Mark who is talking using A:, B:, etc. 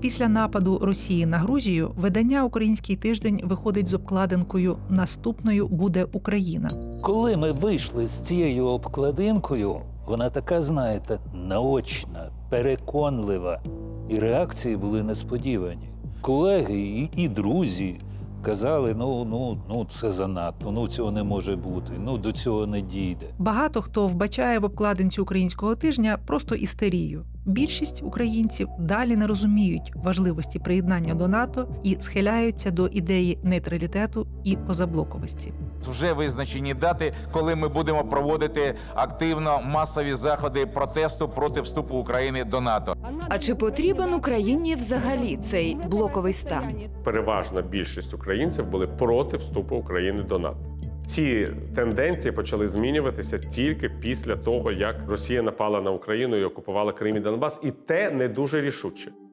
A: Після нападу Росії на Грузію видання «Український тиждень» виходить з обкладинкою «Наступною буде Україна».
B: Коли ми вийшли з цією обкладинкою, вона така, знаєте, наочна, переконлива. І реакції були несподівані. Колеги і друзі казали, ну, це занадто, цього не може бути, до цього не дійде.
A: Багато хто вбачає в обкладинці «Українського тижня» просто істерію. Більшість українців далі не розуміють важливості приєднання до НАТО і схиляються до ідеї нейтралітету і позаблоковості.
C: Вже визначені дати, коли ми будемо проводити активно масові заходи протесту проти вступу України до НАТО.
D: А чи потрібен Україні взагалі цей блоковий стан?
E: Переважна більшість українців були проти вступу України до НАТО. Ці тенденції почали змінюватися тільки після того, як Росія напала на Україну і окупувала Крим і Донбас, і те не дуже рішуче.